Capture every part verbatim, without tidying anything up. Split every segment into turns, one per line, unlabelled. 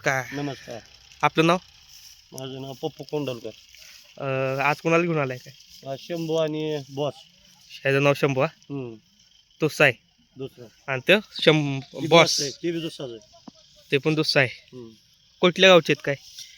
नमस्कार.
नमस्कार.
आपलं नाव?
माझं नाव पप्पू कोंडलकर.
अ, आज कोणाला घेऊन आलाय काय?
हा शंभू आणि बॉस.
ह्याचं नाव शंभू हा?
हम्म.
दुस्सा आहे
दुसरा
आणि तो शं
ती
बॉस
आहे, ती बी दुसराच आहे.
ते पण दुस्सा आहे.
हम्म.
कुठल्या गावचे आहेत काय?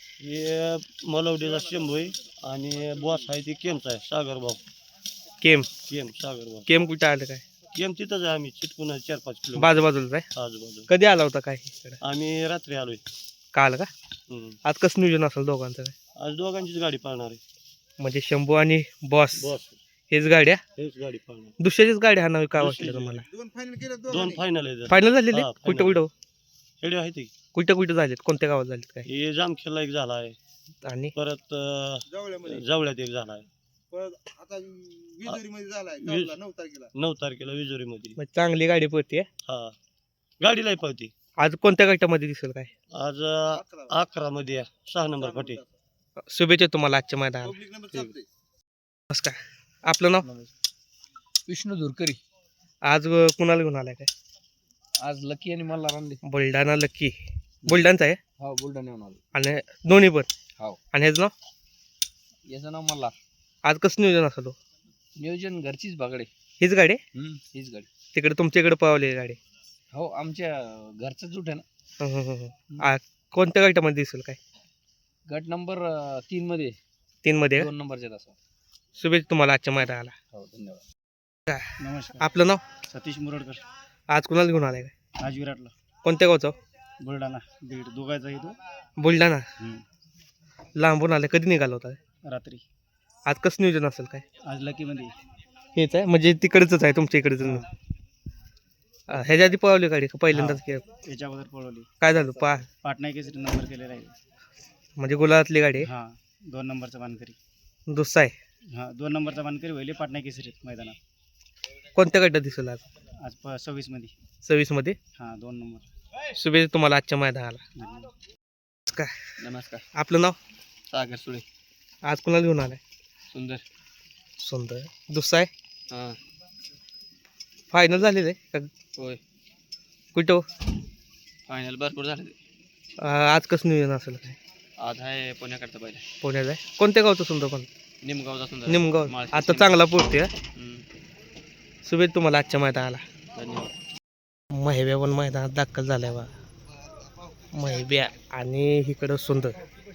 हे मलवडीचा शंभू आहे आणि बॉस आहे ती केमचा आहे सागर भाऊ.
केम
केम सागर भाऊ.
केम कुठं आलं काय?
केम तिथंच आहे, आम्ही चिटकून आहे चार पाच किलो
बाजू बाजूला आहे.
आजूबाजू.
कधी आला होता काय इकडं?
आम्ही रात्री आलोय.
काल का?
हम्म.
आज कसं नियोजन असेल दोघांचं काय?
आज दोघांचीच गाडी पाळणार आहे.
म्हणजे शंभू आणि बॉस
बॉस
हेच गाड्या
हेच गाडी पाळणार.
दुसऱ्याचीच गाडी हाणावी का
दुसरीच
वाटलं तुम्हाला?
दोन फायनल आहे.
फायनल झालेले
हा,
कुठं
final.
कुठं
हेडी आहे ती.
कुठं कुठं झालेत? कोणत्या गावात झालेत काय?
हे जामखेडला एक झाला आहे,
आणि
परत अं, जवळ्यात एक झाला आहे,
आता विजुरीमध्ये झालाय
वीज-
गावला नऊ तारखेला.
नऊ तारखेला विजोरी मध्ये.
मग चांगली गाडी पळते.
हा गाडीला पावती.
आज कोणत्या गटामध्ये दिसेल काय?
आज अं,
अकरा.
अकरा मध्ये आहे, सहा नंबर फाटी.
शुभेच्छा तुम्हाला आजच्या मैदानात.
पब्लिक नंबर चालतंय.
नमस्कार. आपलं नाव?
विष्णू धुरकरी.
आज अ, कुणाला घेऊन आलाय काय?
आज लकी आणि मला रानले.
बुलढाणा लक्की बुलढाणचा आहे
हो बुलढाण्याहून आलो.
आणि दोन्ही पण.
हो.
आणि ह्याचं नाव?
याचं नाव मला.
आज कसं नियोजन असेल हो?
नियोजन घरचीच बागडे.
हीच गाडी आहे?
हम्म, हीच गाडी.
तिकडे तुमच्या इकडे पळवली गाडी?
हो आमच्या घरचं जूट आहे ना.
हं, हं, हं, हं. आ, कोणत्या गटामध्ये दिसेल काय?
गट नंबर अं, तीन मध्ये
तीन मध्ये का?
दोन नंबरच्या तासा.
शुभेच्छा तुम्हाला आजच्या मैदानाला.
हो धन्यवाद.
नमस्कार.
आपलं नाव?
सतीश मुरडकर.
आज कुणाला घेऊन आलाय काय?
आज विराटला.
कोणत्या गावचं?
बुलढाणा दीड दोघायचा येतो.
बुलढाणा. लांबून आलाय. कधी निघाला होता?
रात्री.
आज कसं नियोजन असेल काय?
आज लकी मध्ये.
हेच आहे म्हणजे तिकडचंच आहे तुमच्या इकडच. ह्याच्या आधी पळवली गाडी का पहिल्यांदाच के-
याच्या अगोदर पळवली.
काय झालं पा
पाटणा केसरी नंबर केलेला आहे.
म्हणजे गुलाबातली गाडी आहे?
हा दोन नंबरचा मानकरी.
दुसरा आहे.
हा दोन नंबरचा मानकरी होईल पाटणा केसरी मैदानात.
कोणत्या गटात दिसेल आज?
आज प सव्वीस मध्ये.
सव्वीस मध्ये.
हा दोन नंबर.
शुभेच्छा तुम्हाला आजच्या मैदानाला. काय
नमस्कार.
आपलं नाव?
सागर सुळे.
आज कुणाला घेऊन आलाय?
सुंदर.
सुंदर. दुसरा आहे.
हा
फायनल झालेलं आहे का?
होय
कुठं?
फायनल भरपूर झाले.
अं, आज कसं नियोजन असेल काय?
आज आहे पुण्याकडचा पहिला.
पुण्यात आहे. कोणत्या गावचं सुंदर पण?
निमगावचा सुंदर.
निमगाव.
माळशिरस
आता चांगला पोहोचते.
हम्म,
शुभेच्छा तुम्हाला आजच्या मैदानाला.
धन्यवाद.
महिब्या पण मैदानात दाखल झालाय बा. महिब्या आणि इकडं सुंदर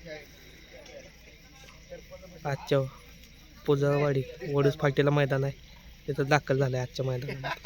आजच्या पुजावाडी वडूस फाटीला मैदान आहे तिथं दाखल झालंय आजच्या मैदानात.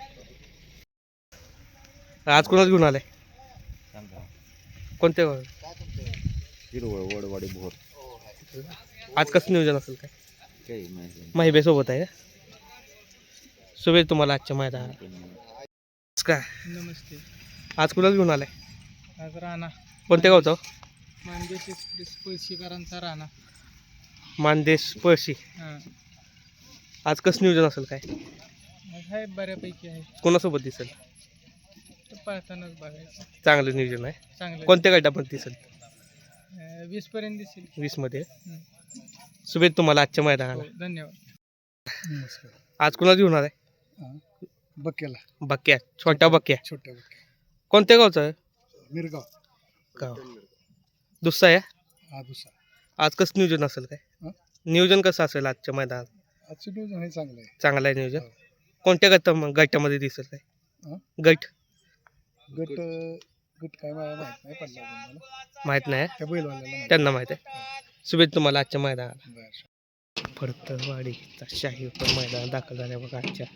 आज कोणाला घेऊन आलाय? कोणत्या गावात?
वडवाडी भोर.
आज कसं नियोजन असेल काय?
काही माहिती
महिब्या सोबत आहे का? शुभेच्छा तुम्हाला आजच्या मैदानात. काय
नमस्ते.
आज कुणाला घेऊन आलाय?
आज राणा.
कोणत्या गावचं?
मानदेश एक्सप्रेस पळशीकरांचा राणा.
मानदेश पळशी.
हां
आज कसं नियोजन असेल काय?
आहे बऱ्यापैकी आहे.
कोणासोबत दिसेल?
तर पळतानाच बघायचं.
चांगलं नियोजन आहे.
चांगलं.
कोणत्या गटामध्ये दिसेल?
वीस पर्यंत दिसेल.
वीस मध्ये.
हं.
शुभेच्छा तुम्हाला आजच्या मैदानाला.
हो, धन्यवाद.
नमस्कार.
आज कुणाला घेऊन आलाय?
बक्याला
बक्या. छोट्या बक्या.
छोट्या बक्या.
कोणत्या गावचा आहे?
मिरगाव.
गाव. दुसरा आहे.
हा दुसरा.
आज कसं नियोजन असेल काय?
हं?
नियोजन कसं असेल आजच्या मैदानात?
आजचं नियोजन हे चांगलं आहे.
चांगलं आहे नियोजन.
हो.
कोणत्या गट गटामध्ये दिसेल काय?
हं?
गट
गट गट काय मला माहित नाही पडला अजून मला.
माहित नाही.
त्या बैलवाल्याला माहित.
त्यांना माहित आहे. शुभेच्छा तुम्हाला आजच्या मैदानाला.
बरं.
फडतरवाडीचा शाही पण मैदानात दाखल झाल्या बघा आजच्या.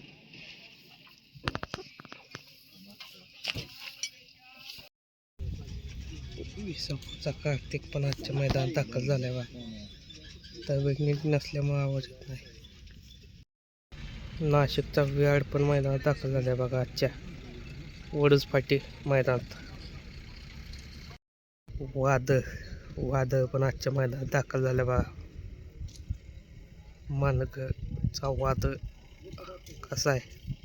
विसापूरचा कार्तिक पण आजच्या मैदानात दाखल झालाय बा. तब्येत नीट नसल्यामुळे आवाज येत नाही. नाशिकचा विहाड पण मैदानात दाखल झालाय बघा आजच्या वडूस फाटी मैदानात. वाद वाद पण आजच्या मैदानात दाखल झाल्या बघा. मानकचा वाद कसा आहे